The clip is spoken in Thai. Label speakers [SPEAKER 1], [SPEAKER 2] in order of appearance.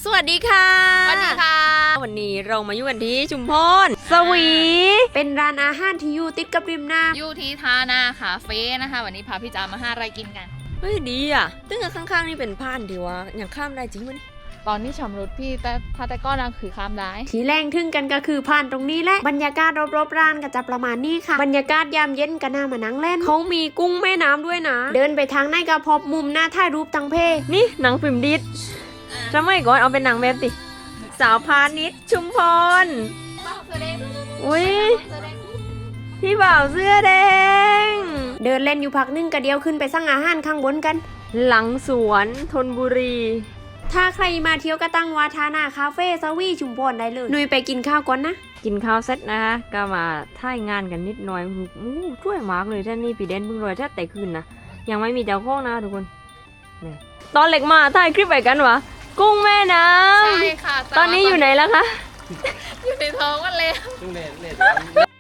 [SPEAKER 1] สวัสดีค่ะ
[SPEAKER 2] สวัสดีค่ะ
[SPEAKER 1] วันนี้เรามาอยู่กันที่ชุมพรสวี
[SPEAKER 3] เป็นร้านอาหารที่อยู่ติดกับริมน้ำ
[SPEAKER 2] อยู่ที่ทานาคาเฟ่นะคะวันนี้พาพี่จ๋ามาหาอะไรกินกัน
[SPEAKER 1] เฮ้ยดีอ่ะตึ้งกับข้างๆนี่เป็นผ่านที่ว่าอย่างข้ามได้จริงมั้ย
[SPEAKER 2] ตอนนี้ชำรุดพี่แต่ถ้าแต่ก้อนนะคือข้ามได้
[SPEAKER 3] ที่แรงทึ่งกันก็คือผ่านตรงนี้แหละบรรยากาศรอบๆร้านก็จะประมาณนี้ค่ะบรรยากาศยามเย็นก็น่ามานั่งเล่นเขามีกุ้งแม่น้ำด้วยนะ เดินไปทางไหนก็พบมุมหน้าถ่ายรูปตังเพ
[SPEAKER 1] นี่หนังฟิล์มดิสสมัยก่อนเอาเป็นหนังแบบติสาวพาณิชย์ชุมพรอุ้ยพี่บ่าวเสื้อแดง
[SPEAKER 3] เดินเล่นอยู่พักนึงก็เดียวขึ้นไปสั่งอาหารข้างบนกัน
[SPEAKER 1] หลังสวนธนบุรี
[SPEAKER 3] ถ้าใครมาเที่ยวก็ตั้งวาทานาคาเฟ่สวีชุมพรได้เลยหนุยไปกินข้าวก่อนนะ
[SPEAKER 1] กินข้าวเสร็จนะคะก็มาถ่ายงานกันนิดหน่อยช่วยมากเลยท่านนี่พี่เดนเพิ่งรวยแท้แต่คืนนะยังไม่มีเจ้าของนะทุกคนนี่ตอนเล็กมาถ่ายคลิปไปกันวะกุ้งแม่น้
[SPEAKER 2] ใช่ค่ะ
[SPEAKER 1] ำตอนนี้อยู่ไหนแล้วคะ
[SPEAKER 2] อยู่ในท้องมันเลย
[SPEAKER 4] จุงเล่น